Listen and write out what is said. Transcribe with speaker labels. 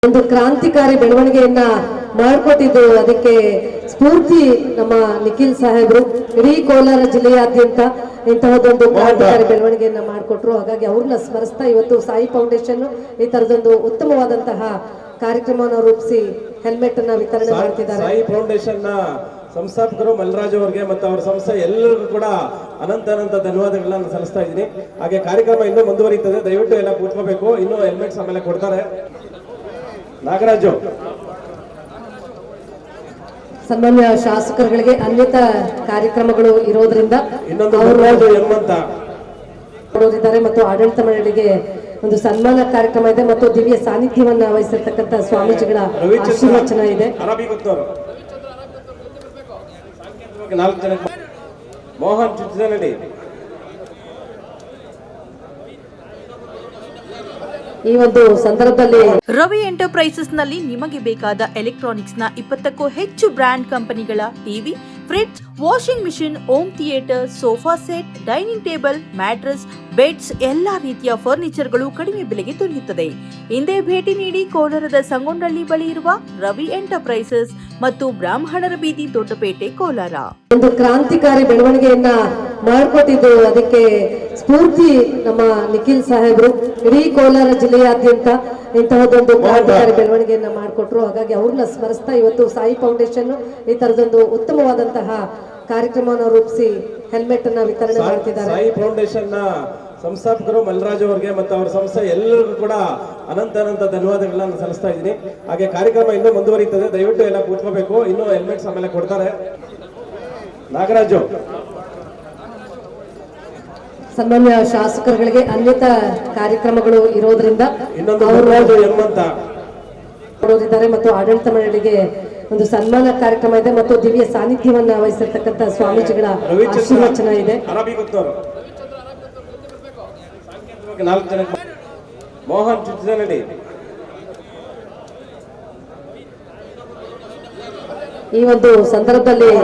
Speaker 1: ಒಂದು ಕ್ರಾಂತಿಕಾರಿ ಬೆಳವಣಿಗೆಯನ್ನ ಮಾಡಿಕೊಟ್ಟಿದ್ದು. ಅದಕ್ಕೆ ಸ್ಫೂರ್ತಿ ನಮ್ಮ ನಿಖಿಲ್ ಸಾಹೇಬರು ಇಡೀ ಕೋಲಾರ ಜಿಲ್ಲೆಯಾದ್ಯಂತ ಇಂತಹದೊಂದು ಕ್ರಾಂತಿಕಾರಿ ಬೆಳವಣಿಗೆಯನ್ನ ಮಾಡಿಕೊಟ್ರು. ಹಾಗಾಗಿ ಅವ್ರನ್ನ ಸ್ಮರಿಸ್ತಾ ಇವತ್ತು ಸಾಯಿ ಫೌಂಡೇಶನ್ ಈ ತರದೊಂದು ಉತ್ತಮವಾದಂತಹ ಕಾರ್ಯಕ್ರಮವನ್ನು ರೂಪಿಸಿ ಹೆಲ್ಮೆಟ್ ಅನ್ನ ವಿತರಣೆ ಮಾಡ್ತಿದ್ದಾರೆ.
Speaker 2: ಸಾಯಿ ಫೌಂಡೇಶನ್ ನ ಸಂಸ್ಥಾಪಕರು ಮಲ್ರಾಜ್ ಅವರಿಗೆ ಮತ್ತು ಅವರ ಸಂಸ್ಥೆ ಎಲ್ಲರಿಗೂ ಕೂಡ ಅನಂತ ಧನ್ಯವಾದಗಳನ್ನ ಸಲ್ಲಿಸ್ತಾ ಇದ್ದೀನಿ. ಹಾಗೆ ಕಾರ್ಯಕ್ರಮ ಇನ್ನೂ ಮುಂದುವರಿಯುತ್ತದೆ, ದಯವಿಟ್ಟು ಎಲ್ಲ ಕೂತ್ಕೋಬೇಕು. ಇನ್ನೂ ಹೆಲ್ಮೆಟ್ಸ್ ಆಮೇಲೆ ಕೊಡ್ತಾರೆ. ನಾಗರಾಜು
Speaker 1: ಸನ್ಮಾನ್ಯ ಶಾಸಕರುಗಳಿಗೆ ಅನ್ವಿತ ಕಾರ್ಯಕ್ರಮಗಳು ಇರೋದ್ರಿಂದ ಕೊಡೋದಿದ್ದಾರೆ ಮತ್ತು ಆಡಳಿತ ಮಂಡಳಿಗೆ ಒಂದು ಸನ್ಮಾನ ಕಾರ್ಯಕ್ರಮ ಇದೆ ಮತ್ತು ದಿವ್ಯ ಸಾನ್ನಿಧ್ಯವನ್ನ ವಹಿಸಿರ್ತಕ್ಕಂಥ ಸ್ವಾಮೀಜಿಗಳ ಆಶೀರ್ವಚನ ಇದೆ.
Speaker 2: ಮೋಹನ್ ಚುಚ್ಚನಹಳ್ಳಿ
Speaker 1: ಈ ಒಂದು ಸಂದರ್ಭದಲ್ಲಿ
Speaker 3: ರವಿ ಎಂಟರ್ಪ್ರೈಸಸ್ ನಲ್ಲಿ ನಿಮಗೆ ಬೇಕಾದ ಎಲೆಕ್ಟ್ರಾನಿಕ್ಸ್ ನ 20ಕ್ಕೂ ಹೆಚ್ಚು ಬ್ರಾಂಡ್ ಕಂಪನಿಗಳ TV, fridge, washing machine, home theatre, sofa set, dining table, mattress, beds ಎಲ್ಲಾ ರೀತಿಯ ಫರ್ನಿಚರ್ಗಳು ಕಡಿಮೆ ಬೆಲೆಗೆ ದೊರೆಯುತ್ತದೆ. ಹಿಂದೆ ಭೇಟಿ ನೀಡಿ ಕೋಲಾರದ ಸಂಗೊಂಡಳ್ಳಿ ಬಳಿ ಇರುವ ರವಿ ಎಂಟರ್ಪ್ರೈಸಸ್ ಮತ್ತು ಬ್ರಾಹ್ಮಣರ ಬೀದಿ, ದೊಡ್ಡಪೇಟೆ, ಕೋಲಾರ.
Speaker 1: ಒಂದು ಕ್ರಾಂತಿಕಾರಿ ಬೆಳವಣಿಗೆಯನ್ನ ಮಾಡಿಕೊಟ್ಟಿದ್ದು. ಅದಕ್ಕೆ ಸ್ಫೂರ್ತಿ ನಮ್ಮ ನಿಖಿಲ್ ಸಾಹೇಬರು ಇಡೀ ಕೋಲಾರ ಜಿಲ್ಲೆಯಾದ್ಯಂತ ಇಂತಹದೊಂದು ಕ್ರಾಂತಿಕಾರಿ ಬೆಳವಣಿಗೆಯನ್ನ ಮಾಡಿಕೊಟ್ರು. ಹಾಗಾಗಿ ಅವ್ರನ್ನ ಸ್ಮರಿಸ್ತಾ ಇವತ್ತು ಸಾಯಿ ಫೌಂಡೇಶನ್ ಈ ತರದೊಂದು ಉತ್ತಮವಾದಂತಹ ಕಾರ್ಯಕ್ರಮವನ್ನು ರೂಪಿಸಿ ಹೆಲ್ಮೆಟ್ ಅನ್ನ ವಿತರಣೆ ಮಾಡ್ತಿದ್ದಾರೆ.
Speaker 2: ಸಾಯಿ ಫೌಂಡೇಶನ್ ನ ಸಂಸ್ಥಾಪಕರು ಮಲ್ರಾಜ್ ಅವರಿಗೆ ಮತ್ತು ಅವರ ಸಂಸ್ಥೆ ಎಲ್ಲರಿಗೂ ಕೂಡ ಅನಂತ ಧನ್ಯವಾದಗಳನ್ನ ಸಲ್ಲಿಸ್ತಾ ಇದ್ದೀನಿ. ಹಾಗೆ ಕಾರ್ಯಕ್ರಮ ಇನ್ನೂ ಮುಂದುವರಿಯುತ್ತದೆ, ದಯವಿಟ್ಟು ಎಲ್ಲ ಕೂತ್ಕೋಬೇಕು. ಇನ್ನೂ ಹೆಲ್ಮೆಟ್ಸ್ ಆಮೇಲೆ ಕೊಡ್ತಾರೆ. ನಾಗರಾಜು
Speaker 1: ಸನ್ಮಾನ್ಯ ಶಾಸಕರುಗಳಿಗೆ ಅನ್ವಿತ ಕಾರ್ಯಕ್ರಮಗಳು ಇರೋದ್ರಿಂದ ಕೊಡೋದಿದ್ದಾರೆ ಮತ್ತು ಆಡಳಿತ ಮಂಡಳಿಗೆ ಒಂದು ಸನ್ಮಾನ ಕಾರ್ಯಕ್ರಮ ಇದೆ ಮತ್ತು ದಿವ್ಯ ಸಾನ್ನಿಧ್ಯವನ್ನ ವಹಿಸಿರ್ತಕ್ಕಂಥ ಸ್ವಾಮೀಜಿಗಳ ಆಶೀರ್ವಚನ ಇದೆ.
Speaker 2: ಮೋಹನ್ ಚುಚ್ಚನಹಳ್ಳಿ
Speaker 1: ಈ ಒಂದು ಸಂದರ್ಭದಲ್ಲಿ